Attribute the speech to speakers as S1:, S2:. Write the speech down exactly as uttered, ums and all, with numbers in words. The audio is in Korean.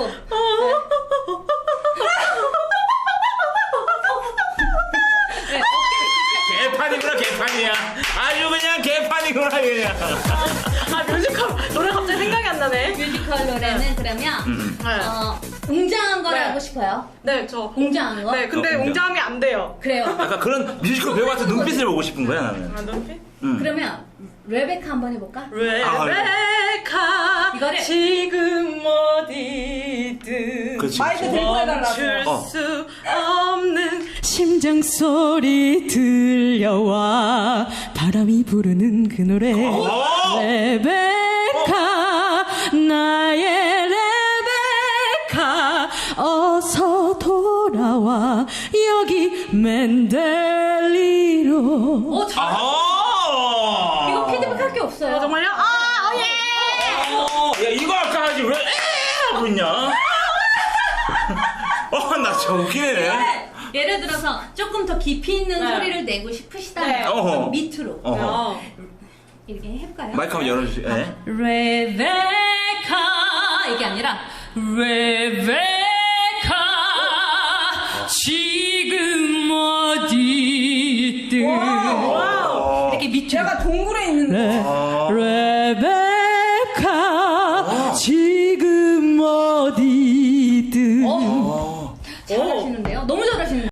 S1: 하고. 네. 네,
S2: 개판이구나 개판이야. 아주 그냥 개판이구나 그냥.
S3: 아 뮤지컬 노래 갑자기 생각이 안 나네.
S1: 뮤지컬 노래는
S3: 네.
S1: 그러면
S2: 음.
S1: 어, 웅장한 걸
S3: 네.
S1: 하고 싶어요.
S3: 네, 저
S1: 웅장한 거?
S3: 네, 근데
S2: 어, 웅장.
S3: 웅장함이 안 돼요.
S1: 그래요.
S2: 약간 그런 뮤지컬 배우 같은 눈빛을 보고 싶은 거야 나는.
S3: 아, 눈빛?
S2: 음.
S1: 그러면 레베카 한번 해볼까?
S3: 레베카
S1: 이거를-
S3: 지금 어디든
S2: 그렇지,
S4: 마이크
S2: 그렇지.
S4: 들고 해달라고.
S3: 멈출
S2: 어.
S3: 수 없는 심장 소리 들려와 바람이 부르는 그 노래
S2: 어.
S3: 레베카 나의 레베카 어서 돌아와 여기 맨델리로.
S1: 오, 잘.
S2: 아.
S1: 이거 피드백 할 게 없어요.
S3: 어, 정말요? 아, 어, 예!
S2: 어, 야 이거 아까 하지 왜 에 하고 있냐? 어, 나 진짜 웃기네.
S1: 네. 예를 들어서 조금 더 깊이 있는
S3: 네.
S1: 소리를 내고 싶으시다면
S3: 네.
S2: 어허.
S1: 그럼 밑으로
S2: 어허.
S3: 어.
S1: 이렇게 해볼까요?
S2: 마이크 한번 열어주세요. 예?
S3: 레베카
S1: 이게 아니라
S3: 레베카 지금 어디 있든
S1: 이렇게 밑으로
S4: 제가 동굴에 있는데.
S2: 아.
S3: 레베카